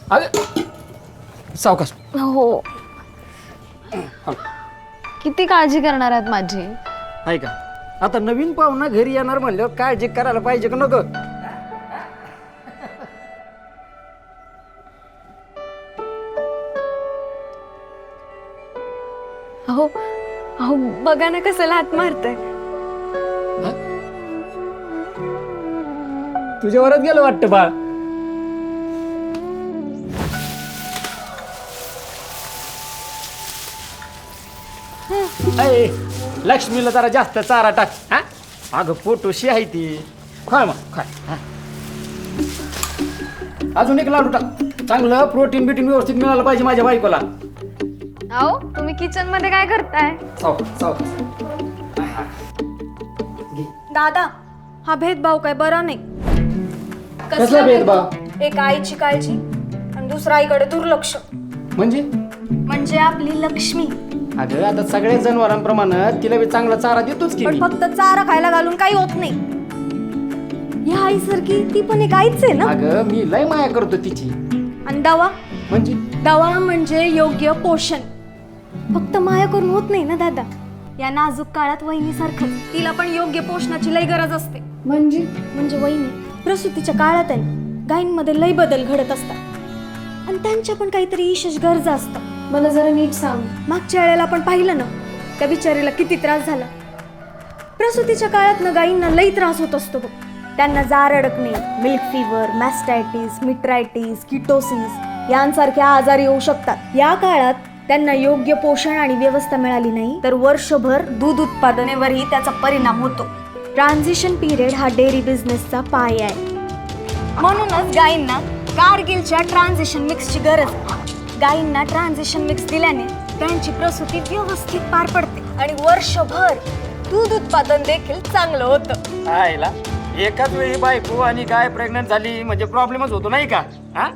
अरे सावकाश. हो. किती काळजी करणार आहात माझी? आहे का आता नवीन पाहुणा घरी येणार म्हणल्यावर काळजी करायला पाहिजे का नको? अहो अहो बघा ना कसं हात मारतय. तुझ्यावरच गेलं वाटतं बाळ. अय लक्ष्मीला जरा जास्त चारा टाक. हा अगं पोटोशी आहे ती. खाय मग खाय. हा. अजून एक लाडू टाक. चांगलं प्रोटीन बिटीन व्यवस्थित मिळालं पाहिजे माझ्या बायकोला. अहो तुम्ही किचन मध्ये काय करताय? सावकाश सावकाश. दादा हा भेदभाव काय बरा नाही. कसला भेदभाव? एक आईची काळजी आणि दुसरा आईकडे दुर्लक्ष. म्हणजे आपली लक्ष्मी. अगं आता सगळ्या जनावरांप्रमाणे तिला बी चांगला चारा देतोच की पण मी. फक्त चारा खायला घालून काही होत नाही. या आईसारखी ती पण एक आईच आहे ना. अगं मी लय माया करतो तिची. आणि दवा म्हणजे दवा म्हणजे योग्य पोषण. फक्त माया करून होत नाही ना दादा. या नाजूक काळात वहिनीसारखं तिला पण योग्य पोषणाची लय गरज असते. म्हणजे वहिनी प्रसूतीच्या काळात आहे ना, गायींमध्ये लय बदल घडत असतात आणि त्यांच्या पण काहीतरी विशेष गरजा असतात. मला जरा नीट सांग. मागच्या वेळेला आपण पाहिलं ना त्या बिचारीला किती त्रास झाला. प्रसूतीच्या काळात ना गायींना लई त्रास होत असतो बघ. त्यांना जार अडकणे, milk fever, mastitis, metritis, ketosis यांसारखे आजार येऊ शकतात. या काळात त्यांना योग्य पोषण आणि व्यवस्था मिळाली नाही तर वर्षभर दूध उत्पादनेवरही त्याचा परिणाम होतो. ट्रान्झिशन पिरियड हा डेअरी बिझनेसचा पाय आहे. म्हणूनच गायींना कारगिलच्या ट्रान्झिशन मिक्सची गरज आहे. गायींना ट्रान्झिशन मिक्स दिल्याने त्यांची प्रसूती व्यवस्थित पार पडते आणि वर्षभर दूध उत्पादन देखील चांगलं होतं. आयला एकाच वेळी बायको आणि गाय प्रेग्नंट झाली म्हणजे प्रॉब्लेमच होतो नाही का? हा?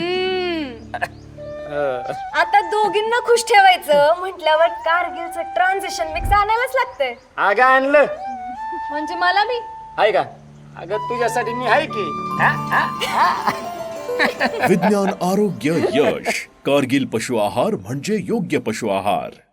आता दोघींना खुश ठेवायचं म्हटल्यावर कारगिलचं ट्रान्झिशन मिक्स आणायलाच लागतंय. अगं आणलं म्हणजे मला मी आहे का? अगं तुझ्यासाठी मी आहे की. हा? हा? हा? विज्ञान आरोग्य यश कारगिल पशु आहार म्हणजे योग्य पशु आहार.